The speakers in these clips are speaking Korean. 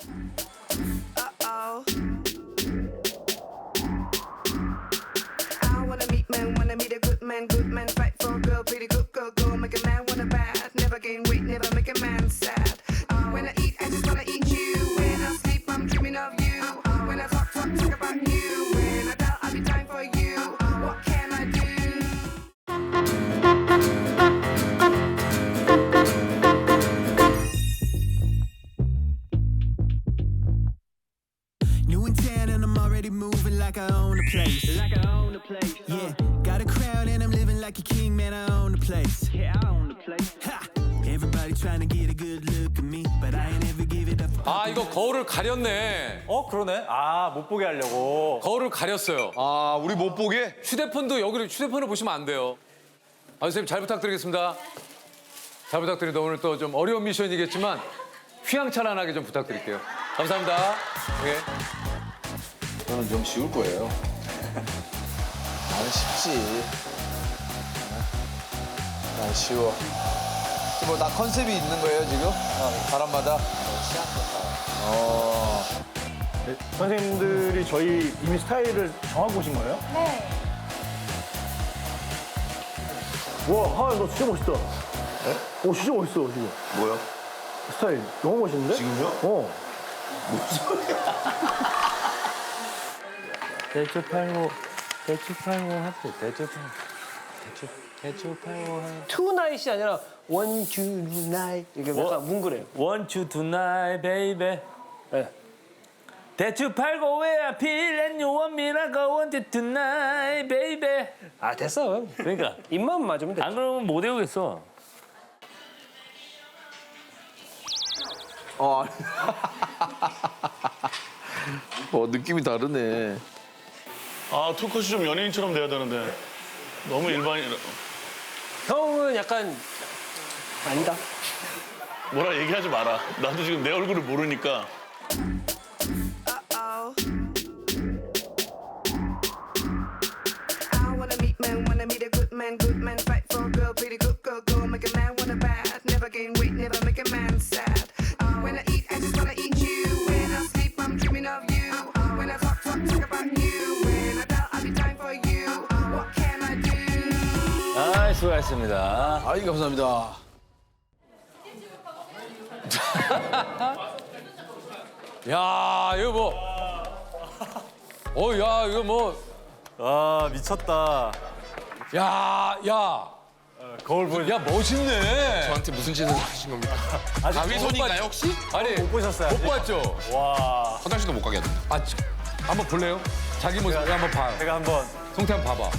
Uh-oh. I wanna meet a good man, fight for a girl, pretty good girl, go make a man wanna bad, never gain weight, never make a man sad. When I eat, I just wanna eat you. When I sleep, I'm dreaming of you. When I talk about you. When I doubt, I'll be dying for you. What can I do? New in town and I'm already moving like I own the place. Yeah, got a crowd and I'm living like a king, man. I own the place. Yeah, I own the place. Ha! Everybody trying to get a good look at me, but I ain't ever give it up. 아 이거 거울을 가렸네. 그러네. 아, 못 보게 하려고. 거울을 가렸어요. 아, 우리 못 보게? 휴대폰도 여기를 휴대폰을 보시면 안 돼요. 아 선생님 잘 부탁드리겠습니다. 잘 부탁드립니다. 오늘 또 좀 어려운 미션이겠지만 휘황찬란하게 좀 부탁드릴게요. 감사합니다. 예. 저는 좀 쉬울 거예요. 나는 쉽지. 난 쉬워. 뭐 나 컨셉이 있는 거예요 지금? 사람마다? 선생님들이 저희 이미 스타일을 정하고 오신 거예요? 네. 와, 하연 너 진짜 멋있다. 네? 진짜 멋있어, 지금. 뭐요? 스타일 너무 멋있는데? 지금요? 대추팔고 하트 대추팔고 하트 투나잇이 아니라 원투나잇 이게 약간 뭉그래요. 원추 투나잇 베이베 네. 대추팔고 왜 하필 and you want me like I want it tonight 베이베 아 됐어. 그러니까 입만 맞으면 돼. 안 그러면 못 외우겠어. 느낌이 다르네. 아, 투컷이 좀 연예인처럼 돼야 되는데 너무 일반이라. 형은 약간 아니다. 뭐라 얘기하지 마라. 나도 지금 내 얼굴을 모르니까. Uh-oh. I wanna meet a good man, fight for a girl, pretty good girl, go make a man wanna bad, never gain weight, never make a man sad. When I eat, I just wanna eat you. When I sleep, I'm dreaming of you. When I talk about you. When I doubt, I'll be dying for you. What can I do? 아, 수고하셨습니다. 아이 감사합니다. 야 이거 뭐. 야 이거 뭐. 아, 미쳤다. 야. 거울 보니 야 멋있네. 저한테 무슨 짓을 하신 겁니까? 가위손인가요 혹시? 아니 못 보셨어요? 못 봤죠. 와, 화장실도 못 가게 하던데. 한번 볼래요? 자기 모습 한번 봐요. 제가 한번. 성태 한번 봐봐.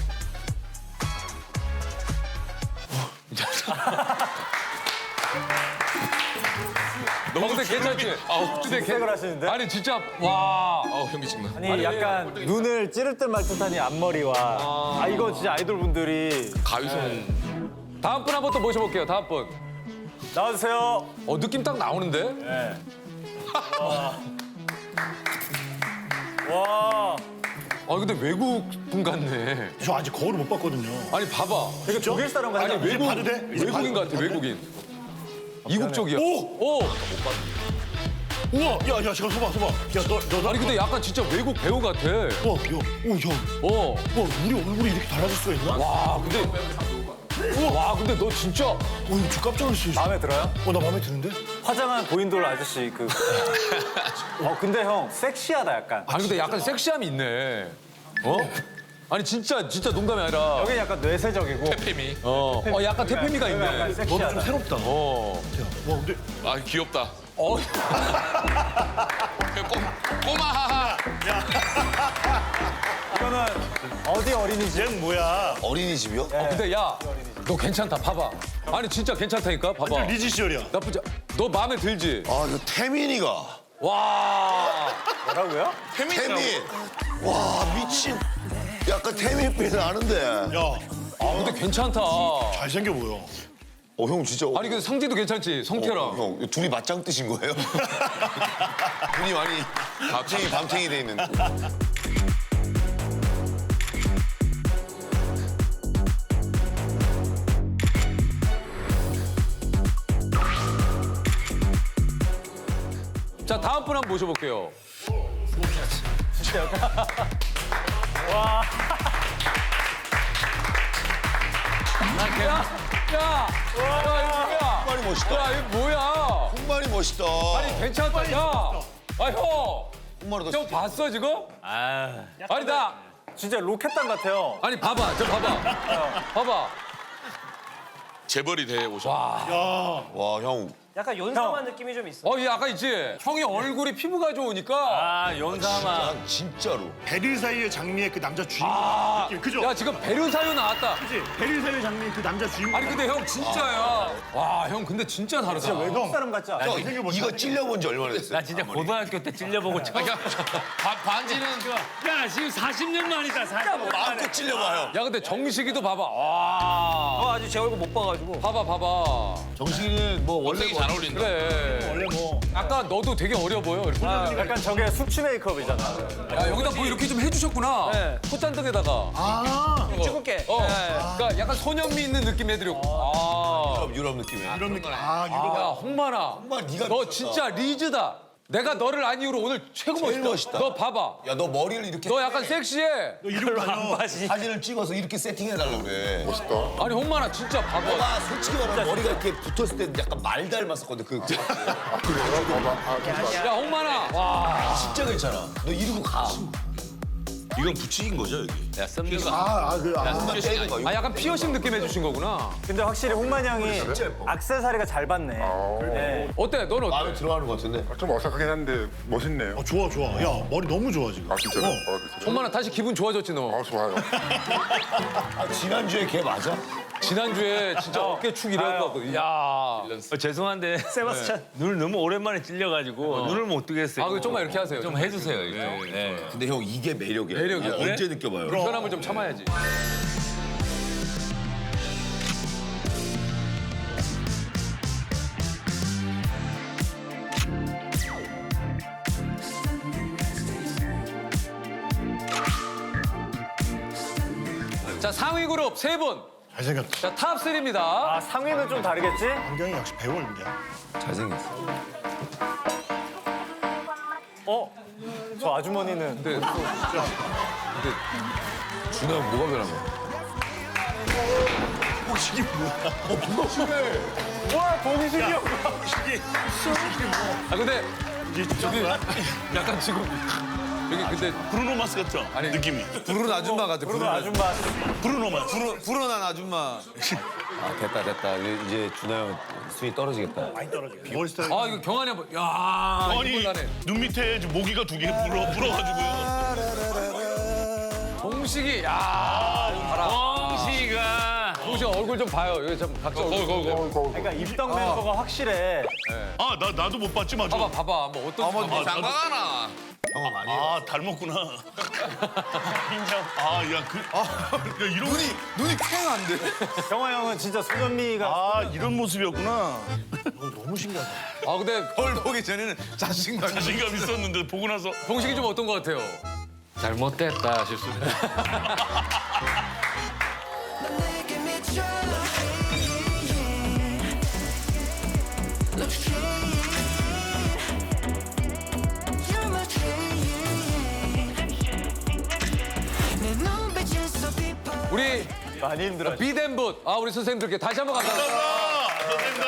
너무 근데 괜찮지? 근데 생각을 하시는데? 아니 진짜 와. 현기증나. 아니, 약간 눈을 찌를 듯 말 듯하니 앞머리와. 이거 진짜 아이돌 분들이. 가위손. 다음 분 한번 또 모셔볼게요. 다음 분. 나와주세요. 느낌 딱 나오는데? 네. 와. 근데 외국 분 같네. 저 아직 거울을 못 봤거든요. 아니 봐봐. 되게 독일 사람 같아. 아니 외국 봐도 돼? 이제 외국인 봐도 같아 외국인. 이국 쪽이야. 오! 우와, 야, 잠깐 서봐. 야, 너, 아니 근데 약간 진짜 외국 배우 같아. 야, 우리 얼굴이 이렇게 달라질 수가 있나? 와 근데 너 진짜 이거 저 깜짝 놀랐어요. 마음에 들어요? 나 마음에 드는데? 화장한 고인돌 아저씨 그. 근데 형 섹시하다 약간. 아니 근데 약간 섹시함이 있네. 아니 진짜 농담이 아니라. 여기 약간 뇌세적이고. 태페미. 약간 태페미가 약간 있네. 섹시하다. 좀 새롭다. 와, 근데 아 귀엽다. 어. 꼬마하하. 이거는 어디 어린이집? 쟤는 뭐야? 어린이집이요? 근데 야, 너 괜찮다. 봐봐. 아니 진짜 괜찮다니까. 봐봐. 리지 시절이야. 나쁘지. 너 마음에 들지? 이거 태민이가. 와. 뭐라고요? 태민. 와 미친. 약간 태민빛 나는데. 야, 근데 괜찮다. 잘생겨 보여. 형 진짜. 아니 근데 상지도 괜찮지. 성태랑. 형 둘이 맞짱 뜨신 거예요? 눈이 많이 밤탱이 돼 있는. 자 다음 분 한번 모셔볼게요. 야, 이거 홍만이 멋있다. 뭐야? 야, 이거 뭐야? 홍만이 멋있다. 아니 괜찮다. 야, 형, 홍만이 더 형 봤어 지금? 아, 아니 나, 진짜 로켓단 같아요. 아니 봐봐, 저 봐봐, 봐봐. 재벌이 돼 오셨. 와, 형. 약간 연상한 느낌이 좀 있어. 얘 아까 있지? 형이 얼굴이 피부가 좋으니까. 아 연상아. 진짜로. 베르사유의 장미의 그 남자 주인공 느낌. 그죠? 야 지금 베르사유 나왔다. 그치? 베르사유 장미의 그 남자 주인공. 아니 근데 형 진짜야. 와, 형 근데 진짜 다르다. 외국 사람 같지 않아? 형, 이거 찔려본 지 얼마나 됐어요? 나 진짜 고등학교 때 찔려보고 처음. 반지는 야 지금 40년 만이다. 40년 마음껏 찔려봐, 형. 야 근데 정식이도 봐봐. 와, 아직 제 얼굴 못 봐가지고. 봐봐. 정식이는 뭐 원래 원색이 잘 어울린다. 그래. 원래 뭐 아까 너도 되게 어려 보여. 이렇게. 약간 저게 숙취 메이크업이잖아. 야 여기다 뭐 이렇게 좀 해주셨구나. 네. 콧잔등에다가. 찍을게. 그러니까 약간 소년미 있는 느낌 해드렸고. 유럽 느낌이야. 이런 느낌. 아, 야 홍만아. 홍만 네가 너 미쳤다. 진짜 리즈다. 내가 너를 안 이후로 오늘 최고 제일 멋있다. 멋있다. 너 봐봐. 야, 너 머리를 이렇게 너 약간 섹시해. 너 이런 거 아니야? 사진을 찍어서 이렇게 세팅해달라고 그래. 멋있다. 아니 홍만아 진짜 봐봐. 너가 솔직히 말하면 머리가 이렇게 붙었을 때 약간 말 닮았었거든. 야 홍만아. 와. 진짜 괜찮아. 너 이러고 가. 이건 붙이긴 거죠 여기. 야 썸네일. 한번 떼는 거. 아 약간 피어싱 느낌 해주신 거구나. 근데 확실히 홍만 형이 진짜 예뻐. 액세서리가 잘 받네. 네. 어때? 너는 어때? 마음에 들어하는 것 같은데. 좀 어색하긴 한데 멋있네요. 좋아, 좋아. 야, 머리 너무 좋아, 지금. 아 진짜로? 홍만아 다시 기분 좋아졌지 너. 좋아요. 지난주에 걔 맞아? 지난주에 진짜 어깨축 이래갖고. 야. 죄송한데 세바스찬 눈을 너무 오랜만에 찔려가지고 눈을 못 뜨겠어요. 아, 그 좀만 이렇게 하세요. 좀 해주세요. 이거. 네. 근데 형 이게 매력이야. 매력이야. 아, 언제 느껴봐요? 불편함을 좀 참아야지. 자 상위 그룹 세 분. 잘생겼다. 자 탑 3입니다. 아 상위는 좀 다르겠지? 안경이 역시 배우 얼굴이야. 잘생겼어. 저 아주머니는 근데 준하 형 뭐가 변한 거야? 이게 뭐야? 와 봉식이 형. 아 근데 이게 저기 약간 지금 여기 근데 브루노 마스 같죠? 아니, 느낌이. 부르는 아줌마 같아. 그리고 아줌마. 브루노 마스. 불어난 아줌마. 아 됐다. 이제 준하 형 수위 떨어지겠다. 많이 떨어져. 머리 스타일. 아 이거 경환이 한번. 야 아니 이걸 나네. 눈 밑에 모기가 두 개 불어가지고요. 봉식이 야 봐라. 뻥시가. 봉식 얼굴 좀 봐요. 여기 좀 각자 얼굴. 그러니까 입덕 멤버가 확실해. 아 나도 못 봤지 맞아. 봐봐 뭐 어떤 장가가나. 형아 많이. 아 닮았구나. 인정. 아야 이런 눈이 쾌한데. 경화 형은 진짜 소년미가. 아 이런 모습이었구나. 너무 신기하다. 아 근데 걸 보기 전에는 자신감. 자신감 있었는데 보고 나서 봉식이 좀 어떤 것 같아요? 잘못됐다 실수를. 우리 많이 힘들어. 비덴붓 우리 선생님들께 다시 한번 감사합니다. 선생님들.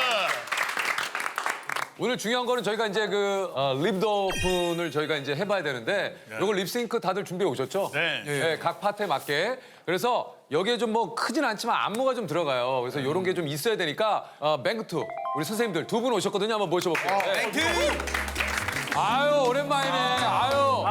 오늘 중요한 거는 저희가 이제 그 립드 오픈을 저희가 이제 해봐야 되는데 이걸 립싱크 다들 준비해 오셨죠? 네. 각 파트에 맞게. 그래서 여기에 좀 뭐 크진 않지만 안무가 좀 들어가요. 그래서 이런 게 좀 있어야 되니까 맹투 우리 선생님들 두 분 오셨거든요. 한번 모셔볼게요. 맹투. 아유 오랜만이네. 아유.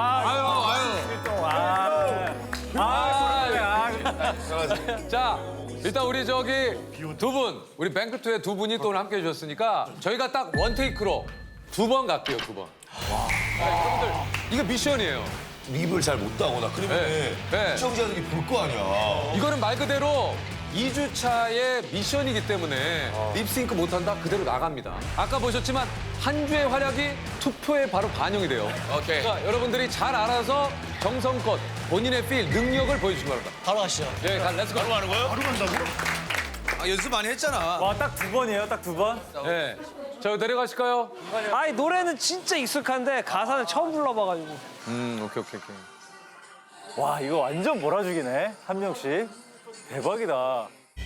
자, 일단 우리 저기 두 분, 우리 뱅크투의 두 분이 또 오늘 함께 해주셨으니까 저희가 딱 원테이크로 2번 갈게요, 2번. 여러분들, 이거 미션이에요. 립을 잘 못 따거나 그러면 네. 시청자들이 볼 거 아니야. 이거는 말 그대로 2주차의 미션이기 때문에 립싱크 못한다 그대로 나갑니다. 아까 보셨지만 한 주의 활약이 투표에 바로 반영이 돼요. 오케이. 그러니까 여러분들이 잘 알아서 정성껏 본인의 필, 능력을 보여주시기 바랍니다. 바로 가시죠. 예, 렛츠고. 바로 하는 거예요? 바로 간다고? 연습 많이 했잖아. 와 딱 두 번이에요. 딱 두 번. 네. 자, 내려가실까요? 아니 노래는 진짜 익숙한데 가사는 처음 불러봐가지고. 오케이. 와 이거 완전 몰아주기네 한 명씩. 대박이다.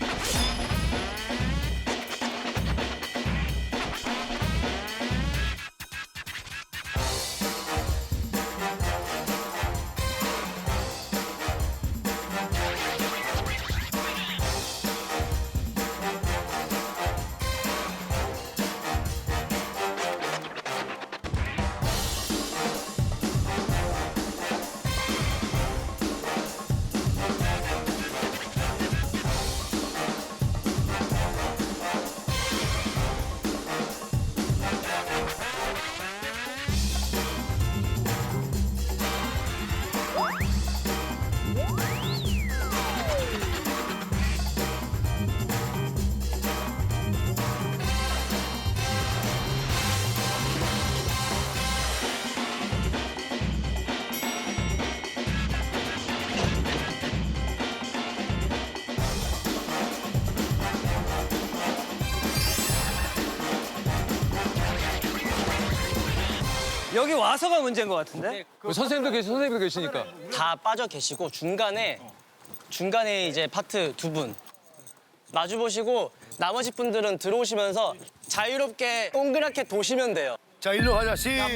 여기 와서가 문제인 것 같은데? 선생님도 계시니까. 다 빠져 계시고 중간에 이제 파트 두 분 마주 보시고 나머지 분들은 들어오시면서 자유롭게 동그랗게 도시면 돼요. 자 일로 가자. 시작.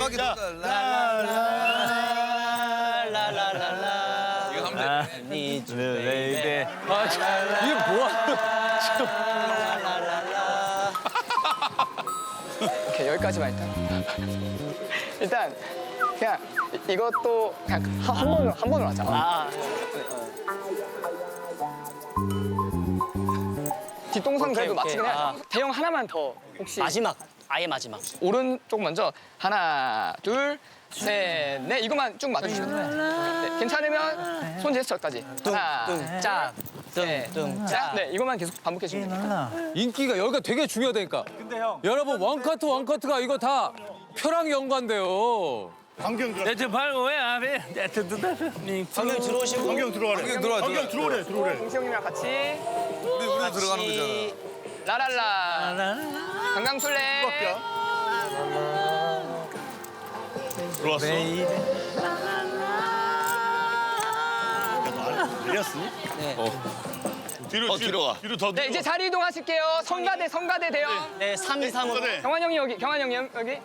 라라라라. 이거 하면 돼. need you, 네, baby. 이게 뭐야? 라라라라. 오케이, 여기까지만 일단 그냥 이것도 그냥 한 번으로 하자. 뒷동상 그래도 오케이. 맞추긴 해야 돼. 대형 하나만 더 혹시 마지막 아예 마지막. 오른쪽 먼저 하나 둘 셋 넷 이것만 쭉 맞춰주시면 돼요. 네, 괜찮으면 손 제스처까지 하나 짝. 짝. 네, 이것만 계속 반복해 주시면 됩니다. 인기가 여기가 되게 중요하다니까. 근데 형 여러분 원커트가 이거 다 표랑 연관돼요. 광경 들어. 대추 팔고 왜 앞에 방금 들어오시고 광경 들어가래. 광경 들어오래. 동시 형님이랑 같이 우리도 들어가는 거잖아. 라랄라 강강술래 들어왔어. 내렸어? 네. 뒤로 가. 뒤로 더. 네, 이제 자리 이동하실게요. 성가대 대형. 네, 3, 2, 3으로. 경환 형이 여기, 경환 형이 여기.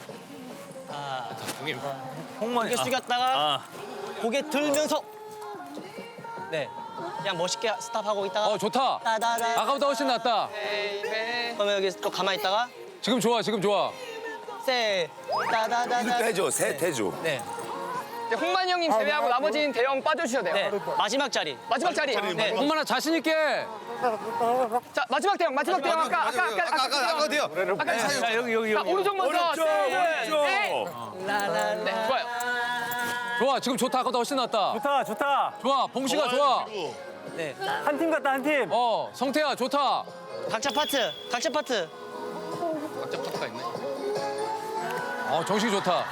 고개 숙였다가 고개 들면서 네, 그냥 멋있게 스탑하고 있다가 좋다. 따다다. 아까보다 훨씬 낫다. 베이베. 그러면 여기 또 가만히 있다가 지금 좋아. 세 따다다다. 해줘, 셋 해줘. 네, 이제 홍만 형님 제외하고 나머지는 대형 빠져주셔도 돼요. 네, 마지막 자리. 마지막 자리. 네. 홍만아 자신 있게. 자, 마지막 대형 아까 어디요? 자, 여기. 자, 오른쪽 먼저. 셋, 넷. 라라라. 네, 좋아요. 좋아. 지금 좋다. 아까보다 훨씬 낫다. 좋다. 좋아. 봉씨가 좋아. 네, 한 팀 같다 한 팀. 성태야 좋다. 각자 파트. 각자 파트가 있네. 정식이 좋다.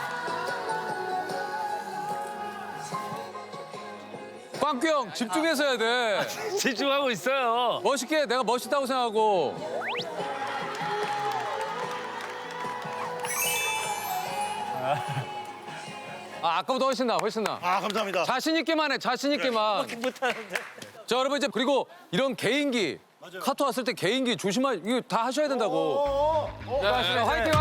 빵규 형 집중해서 해야 돼. 집중하고 있어요. 멋있게 내가 멋있다고 생각하고. 아까보다 훨씬 나. 아 감사합니다. 자신 있게만 해. 자신 있게만. 못하는데. 자 여러분 이제 그리고 이런 개인기 카트 왔을 때 개인기 이거 다 하셔야 된다고. 자, 화이팅.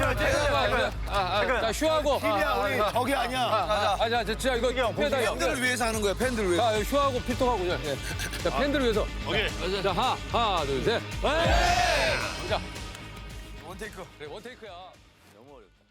자 휴하고. 팀이야 우리 적이 아니야. 자 진짜 이거 팬들을 위해서 하는 거야, 팬들을 위해서. 자 휴하고 필통하고 자 팬들을 위해서. 오케이. 자 하나 둘 셋. 자 원테이크야. 너무 어렵다.